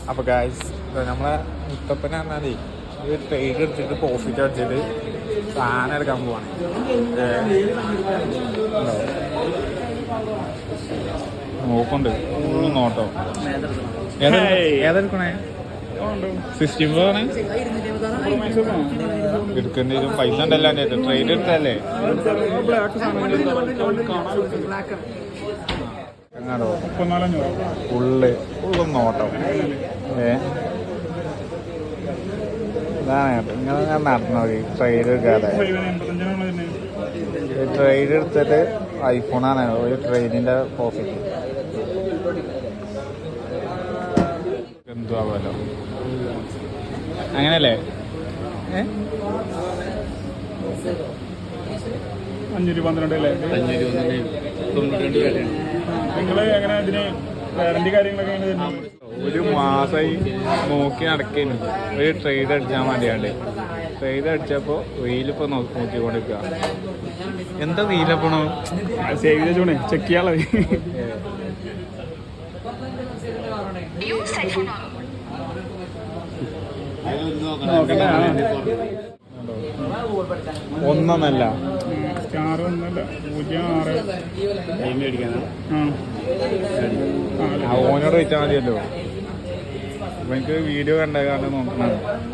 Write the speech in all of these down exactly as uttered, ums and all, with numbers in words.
അപ്പോൾ ഗായ്സ് നമ്മളെ മുത്തപ്പനെ പറഞ്ഞാലേ ഒരു ട്രേഡ് എടുത്തിട്ട് പ്രോഫിറ്റ് അടിച്ചിട്ട് സാധനം എടുക്കാൻ പോവാണ്. നോക്കുന്നുണ്ട് ഫുള്ള് നോട്ടോ. ഏതെടുക്കണേ? സിക്സ്റ്റീൻ ഫോർ എടുക്കേണ്ടി വരും. പൈസ ഉണ്ടല്ലോ എൻ്റെ ട്രേഡ് എടുത്തല്ലേ. എങ്ങാടോ ഫുള്ള് ഫുള്ളും നോട്ടോ. ഏ ഇതാണ് കേട്ടോ ഇങ്ങനെ ഞാൻ നടന്നു നോക്കി. ട്രേഡ് എടുക്കാതെ ട്രേഡ് എടുത്തിട്ട് ഐഫോണാണ് ഒരു ട്രെയിനിൻ്റെ പ്രോഫിറ്റ്. എന്തുവാമല്ലോ അങ്ങനല്ലേ? ഏ അഞ്ഞൂറ്റി പന്ത്രണ്ട് അല്ലേ? നിങ്ങൾ എങ്ങനെ ഇതിന് വാറന്റി കാര്യങ്ങളൊക്കെ ഒരു മാസമായി നോക്കി നടക്കുന്നു. ഒരു ട്രേഡ് അടിച്ചാൽ മതിയാണ്ട് ട്രേഡ് അടിച്ചപ്പോൾ വെയിലിപ്പോൾ നോക്കിക്കൊണ്ടിരിക്കുക. എന്താ വെയിലപ്പോണോ? Save ചെയ്തോണേ check ചെയ്യാളെ. ഒന്നല്ല സ്റ്റാർ ഒന്നല്ല പൂജ്യം ആറ് ഓനോട് വെച്ചാൽ മതിയല്ലോ. അപ്പൊ എനിക്ക് വീഡിയോ കണ്ട കാരണം നോക്കണം.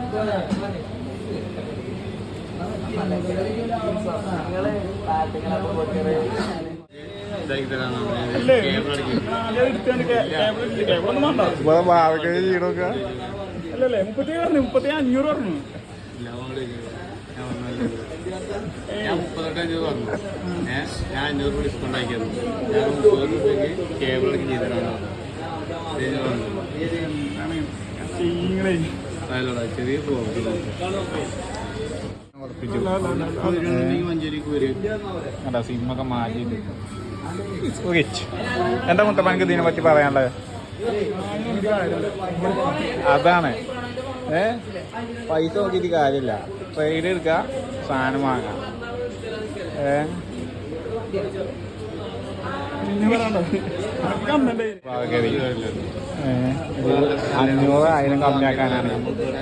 ചെയ്യണോക്ക അല്ലല്ലേ? മുപ്പത്തി പറഞ്ഞു മുപ്പത്തി അഞ്ഞൂറ് പറഞ്ഞു. ഞാൻ മുപ്പത്തെട്ട് അഞ്ഞൂറ് പറഞ്ഞു. ഞാൻ അഞ്ഞൂറ് രൂപ ഡിസ്കൗണ്ട് ആക്കിയിരുന്നു. ഞാൻ മുപ്പത് രൂപയ്ക്ക് കേബിൾ അടക്കം ചെയ്തിട്ടാണ് ചെറിയ മഞ്ചേരിക്ക് വരും. സിമ്മൊക്കെ മാറ്റിയിട്ട് എന്താ മുത്തപ്പനക്ക് ഇതിനെ പറ്റി പറയാനുള്ളത്? അതാണ് ഏ പൈസ നോക്കിയിട്ട് കാര്യമില്ല. ട്രേഡ് എടുക്കുക, സാധനം വാങ്ങാം. ഏ അഞ്ഞൂറ് ആയിരം കമ്മിയാക്കാനാണ്.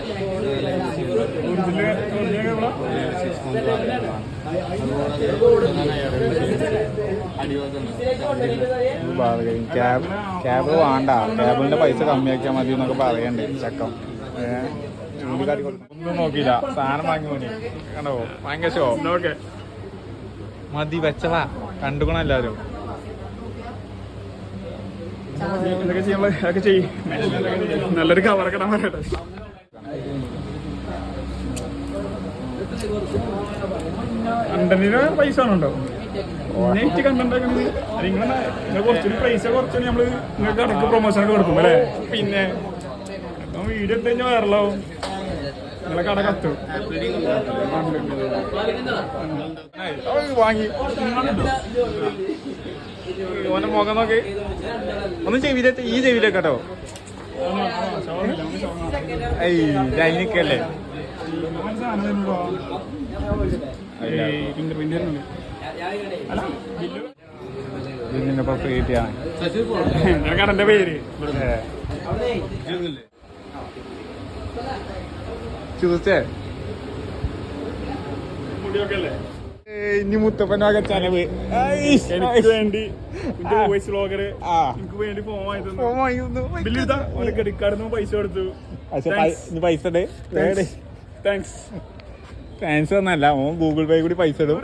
ക്യാബ് ക്യാബ് വേണ്ട, ക്യാബിന്റെ പൈസ കമ്മിയാക്കിയാൽ മതി എന്നൊക്കെ പറയണ്ടേ ചക്കം. ഏഹ് ഒന്നും നോക്കിയില്ല, സാധനം വാങ്ങി പോണി കണ്ടോ. ഭയങ്കര ഷോ. ഓക്കെ മതി വെച്ചവാ കണ്ടുക്കണം എല്ലാവരും. എന്തൊക്കെ ചെയ്യാൻ അതൊക്കെ ചെയ്യും. നല്ലൊരു കവറൊക്കെ ഇടാൻ പറയട്ടെ. കണ്ടന്റിന് പൈസ ആണുണ്ടോ? നെറ്റ് കണ്ടന്റ് നിങ്ങൾ നിങ്ങൾ കുറച്ചൊരു പൈസ കുറച്ച് നമ്മള് നിങ്ങൾക്ക് ഇടയ്ക്ക് പ്രൊമോഷനൊക്കെ കൊടുക്കും അല്ലേ? പിന്നെ വീഡിയോ എടുത്ത് കഴിഞ്ഞാൽ വരലാവും. നിങ്ങളെ കട കത്തും. വാങ്ങി ഓന്റെ മുഖം നോക്കി ഒന്ന് ചെവിയിലെ ഈ ചെവിയിലെ കേട്ടോ. അതിനൊക്കെയല്ലേ ഇതിനിപ്പോ പ്രീതിയാണ് കടന്റെ പേര്. ചൂസേ ഇനി മുത്തപ്പനൊക്കെ ചെലവ് എനിക്ക് വേണ്ടി വോയിസ് വ്ളോഗർ എനിക്ക് വേണ്ടി ഫോൺ വാങ്ങി തന്നു. ബില്ലിതാ ഓന്റെ ക്രെഡിറ്റ് കാർഡിൽ നിന്ന് പൈസ കൊടുത്തു. പൈസ താങ്ക്സ്. ഫാൻസ് ഒന്നല്ല, ഓൻ ഗൂഗിൾ പേ കൂടി പൈസ ഇടും.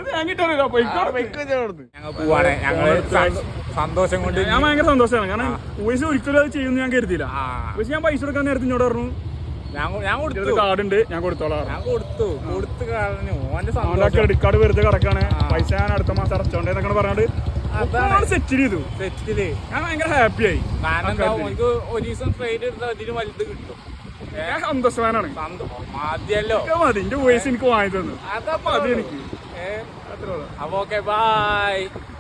ഞങ്ങൾ പോവാണ്. ഞങ്ങള് സന്തോഷം കൊണ്ട് ഞാൻ ഭയങ്കര സന്തോഷമാണ്. കാരണം വോയിസ് ഒരിക്കലും അത് ചെയ്യുമെന്ന് ഞാൻ കരുതിയില്ല. പക്ഷെ ഞാൻ പൈസ കൊടുക്കാൻ നേരത്തെ ഇങ്ങോട്ട് പറഞ്ഞു ഞാൻ കൊടുത്തു, കാർഡുണ്ട് ഞാൻ കൊടുത്തോളാം. ഞാൻ കൊടുത്തു കൊടുത്ത് കാരണം ഓന്റെ ക്രെഡിറ്റ് കാർഡ് വെറുതെ കിടക്കാണ്, പൈസ ഞാൻ അടുത്ത മാസം അടച്ചോണ്ടെന്നൊക്കെ പറഞ്ഞിട്ട് അതാണ് സെറ്റ് ചെയ്തു. സെറ്റില് ഞാൻ ഭയങ്കര ഹാപ്പി ആയി. കാരണം എനിക്ക് ഒരു ദിവസം ട്രേഡ് എടുത്താൽ അതിന് വലുത് കിട്ടും. ഞാൻ സന്തോഷവാനാണ്. മതിയല്ലോ, മതി. എന്റെ വോയിസ് എനിക്ക് വാങ്ങി തന്നു. അതാ മതി എനിക്ക്. അപ്പൊ ഓക്കെ ബൈ.